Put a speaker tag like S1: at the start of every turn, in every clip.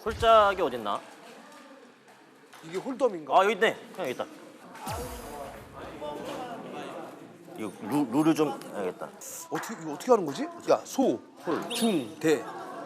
S1: 홀짝이 어딨나?
S2: 이게 홀덤인가?
S1: 아 여기 있네. 형 여기 있다. 이거 룰을 좀 해야겠다.
S2: 이거 어떻게 하는 거지? 야, 소, 홀, 중, 대.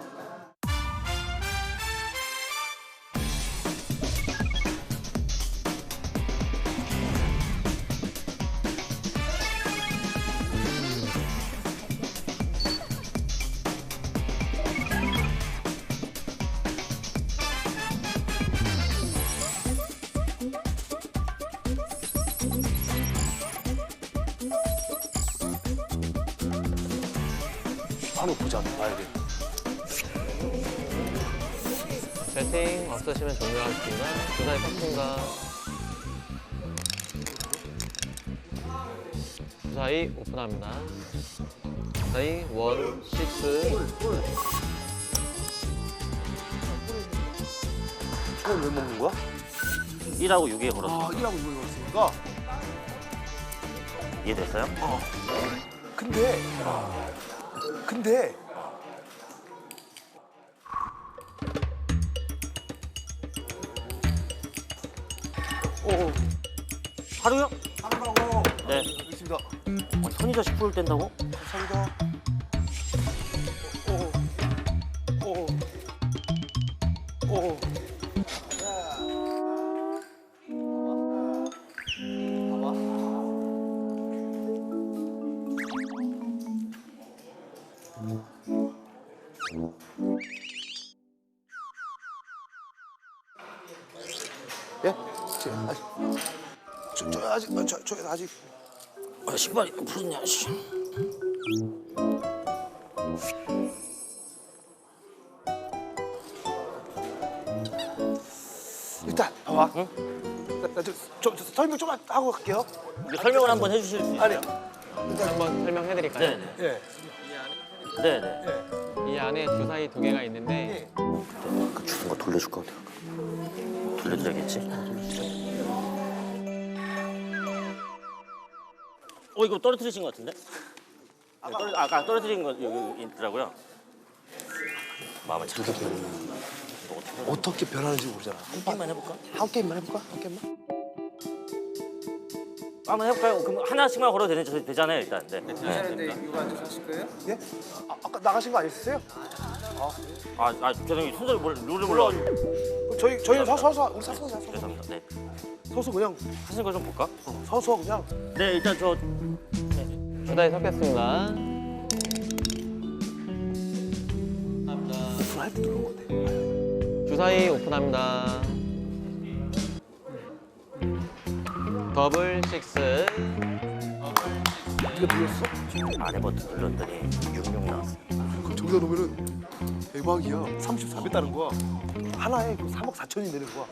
S2: 한번 보자, 봐야 돼.
S3: 배팅 없으시면 종료하겠습니다. 주사위 섞습니다. 주사위 오픈합니다. 주사위 1, 6.
S2: 이건 왜 먹는 거야?
S1: 1하고 6에 걸었어.
S2: 아, 1하고 6을 걸었으니까.
S1: 이해됐어요?
S2: 근데
S1: 하루요?
S2: 하라고.
S1: 네.
S2: 알겠습니다.
S1: 선의자 10%를 뗀다고?
S2: 감사합니다. 오. 예? 아직.
S1: 신발이 풀었냐, 씨.
S2: 일단 봐봐. 응? 저 설명 좀 하고 갈게요.
S1: 설명을 한번 해주실 수 있어요?
S2: 아니.
S3: 한번 설명해드릴까요?
S1: 네네.
S2: 예.
S1: 네네.
S2: 예.
S3: 이 안에 주사위 2개가 있는데
S1: 그 주는 거 돌려줄 것 같아. 돌려드려야겠지? 이거 떨어뜨리신 것 같은데? 아까 떨어뜨린 거 여기 있더라고요. 마음을 착하게.
S2: 어떻게 변하는지 모르잖아.
S1: 한 게임만 해볼까?
S2: 한 게임만 해볼까? 한 게임만?
S1: 한번 해볼까요? 그럼 하나씩만 걸어도 되잖아요, 일단. 네.
S4: 이거 앉아서 하실 거예요?
S2: 예? 아까 나가신 거 아니었어요?
S1: 죄송해요. 룰을 몰라가지고.
S2: 저희는 서서
S1: 죄송합니다. 네.
S2: 서서 그냥
S1: 하시는 거 좀 볼까?
S2: 서서 그냥
S1: 네, 일단 저
S3: 주사위 섞겠습니다.
S2: 오픈할 때 누른 건데.
S3: 주사위 오픈합니다. 더블 6.
S2: 네가 눌렀어?
S1: 아래 버튼 눌렀더니 66 나왔어.
S2: 그럼 저기다 놓으면은 대박이야. 34배 따는 거야. 하나에 3억 4천이 되는 거야.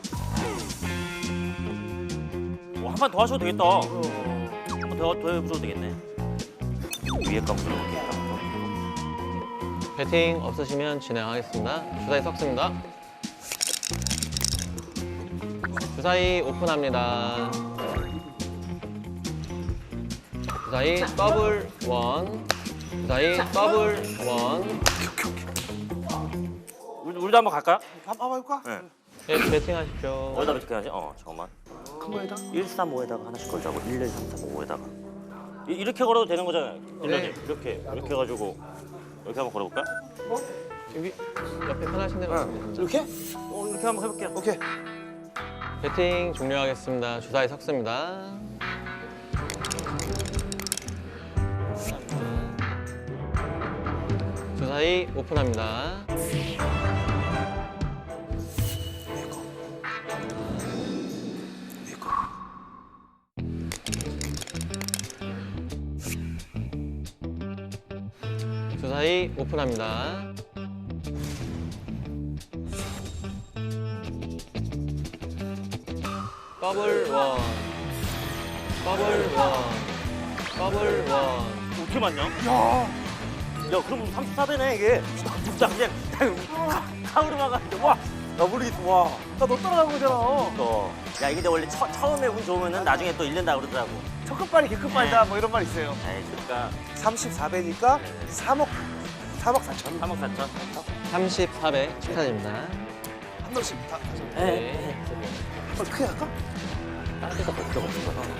S1: 한 판 더 하셔도 되겠다. 한 판 더 해보셔도 되겠네. 위에 거 눌러볼게요.
S3: 배팅 없으시면 진행하겠습니다. 주사위 섞습니다. 주사위 오픈합니다. 주사위 더블 1. 주사위 더블 1.
S1: 우리도 한번 갈까요?
S2: 한번 해볼까?
S1: 네.
S3: 네, 배팅하십시오.
S1: 어디다 어떻게 하지? 잠깐만.
S2: 큰 거에다?
S1: 135에다가 하나씩 걸자고. 1, 2, 3, 4, 5에다가. 이렇게 걸어도 되는 거잖아요.
S3: 네.
S1: 이렇게 해가지고 이렇게 한번 걸어볼까?
S3: 여기 옆에 편하신 대로 하시면 됩니다.
S2: 이렇게?
S1: 이렇게 한번 해볼게요.
S2: 오케이.
S3: 배팅 종료하겠습니다. 주사위 섞습니다. 주사위 오픈합니다. 주사위 오픈합니다. 더블 1. 더블 1. 더블 1.
S1: 어떻게 맞냐?
S2: 야,
S1: 그럼 34배네 이게. 진짜 그냥 카우로 막았는데 와. 더블이 와.
S2: 나 너 따라간 거잖아.
S1: 야 이게 근데 원래 처음에 운 좋으면은 나중에 또 잃는다 그러더라고.
S2: 첫 끝발이 개끝발이다 뭐 이런 말 있어요.
S1: 에이 그러니까
S2: 34배니까 3억 4천.
S1: 3억 4천.
S3: 34배 축하드립니다.
S2: 한 명씩 다 가자.
S1: 네.
S2: 크게 할까?
S1: 다른 데가 볼 필요가 없을 거야.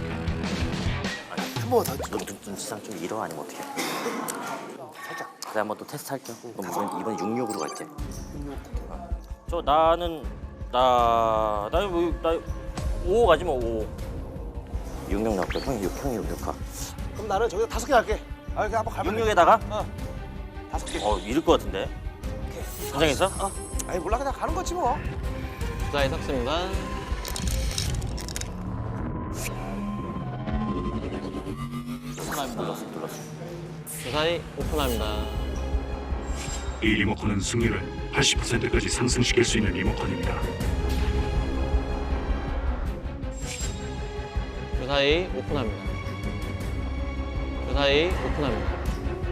S2: 한 번만 더.
S1: 눈치상 좀 잃어 아니면 어떻게?
S2: 살짝.
S1: 그래 한번 또 테스트 할게요. 그럼 이번 66으로 갈게. 저 나는 나 5 가지 뭐 5. 66 나올게. 형이 6 가.
S2: 그럼 나는 저기다 5개 할게. 아, 그냥 한번 가면.
S1: 66에다가
S2: 5개.
S1: 잃을 것 같은데. 긴장했어?
S2: 아니 몰라 그냥 가는 거지 뭐.
S3: 주사위 섞습니다.
S1: 눌렀어.
S3: 주사위 오픈합니다.
S5: 이 리모컨은 승률을 80%까지 상승시킬 수 있는 리모컨입니다.
S3: 주사위 오픈합니다. 주사위 오픈합니다.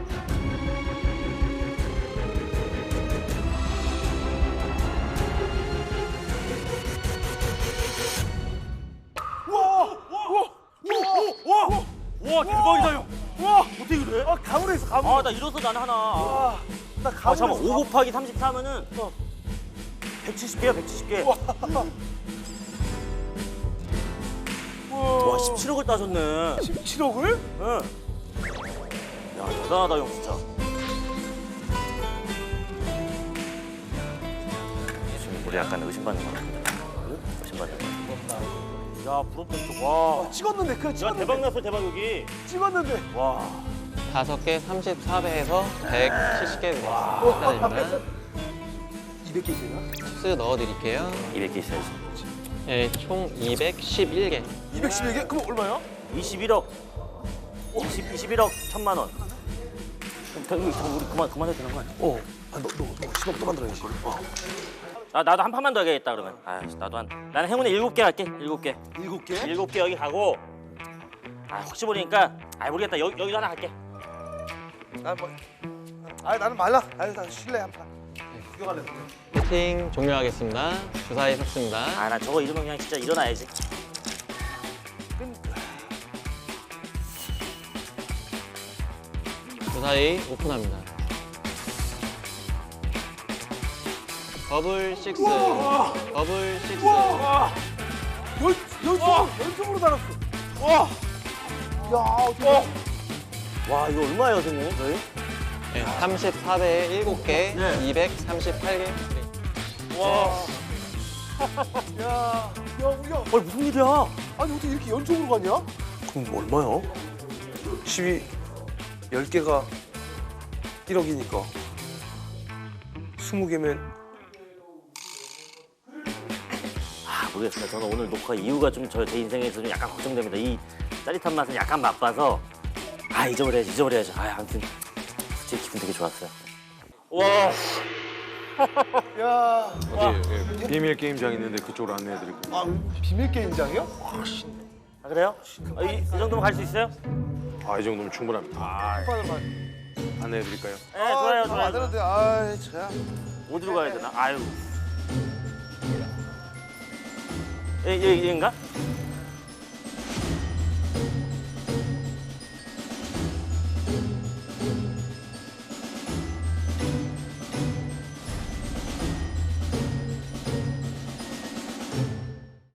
S1: 와 대박이다 형. 와 어떻게 그래?
S2: 아 가물에 있어 가물.
S1: 아 나 잃었어 나는 하나.
S2: 나
S1: 아
S2: 가물에
S1: 잠깐
S2: 있어.
S1: 5 곱하기 34면은 170개야 170개. 와 17억을 따졌네.
S2: 17억을?
S1: 응. 야 대단하다 형 진짜. 지금 우리 약간 의심받는 거 같은데. 의심받는 거. 야 부럽다 진짜. 와.
S2: 찍었는데 그래
S1: 야
S2: 찍었는데.
S1: 대박 났어 대박 여기.
S2: 찍었는데.
S1: 와.
S3: 5개 34배에서 170개 축하드립니다.
S2: 200개 있나?
S3: 스 넣어드릴게요.
S1: 200개 있어야지.
S3: 네, 총 211개.
S2: 211개? 그럼 얼마야?
S1: 21억. 21억 1,000만 원. 그럼 우리 그만해도 되는 거 아니야?
S2: 너 10억 또 만들어야지.
S1: 나도 한 판만 더 해야겠다 그러면. 아 나도 나는 행운에 7개 할게. 7개.
S2: 7개?
S1: 7개 여기 가고. 아 혹시 모르니까 모르겠다. 여기도 하나 갈게.
S2: 나는 말라. 아니 나 실내 한 판. 구경할래.
S3: 배팅 종료하겠습니다. 주사위 섞습니다.
S1: 아 나 저거 이러면 그냥 진짜 일어나야지.
S3: 주사위 오픈합니다. 버블 6. 버블 6.
S2: 연속으로 달았어. 와. 야 어떻게?
S1: 와 이거 얼마예요 선생님 저희?
S3: 네, 34배에 7개,
S1: 네.
S3: 238개.
S1: 와.
S2: 야.
S1: 무슨 일이야?
S2: 아니 어떻게 이렇게 연속으로 가냐? 그럼 얼마야? 10개가 1억이니까 20개면
S1: 모르겠습니다. 저는 오늘 녹화 이유가 좀 제 인생에서 좀 약간 걱정됩니다. 이 짜릿한 맛은 약간 맛봐서 잊어버려야지. 아무튼 솔직히 기분 되게 좋았어요. 와.
S2: 야.
S6: 비밀 게임장 있는데 그쪽으로 안내해드릴게요.
S2: 비밀 게임장이요?
S1: 아 그래요? 이 정도면 갈 수 있어요?
S6: 이 정도면 충분합니다. 안내해드릴까요?
S1: 네, 좋아요.
S2: 안 되는데. 아이 참.
S1: 어디로 가야 되나? 아유. 여기인가?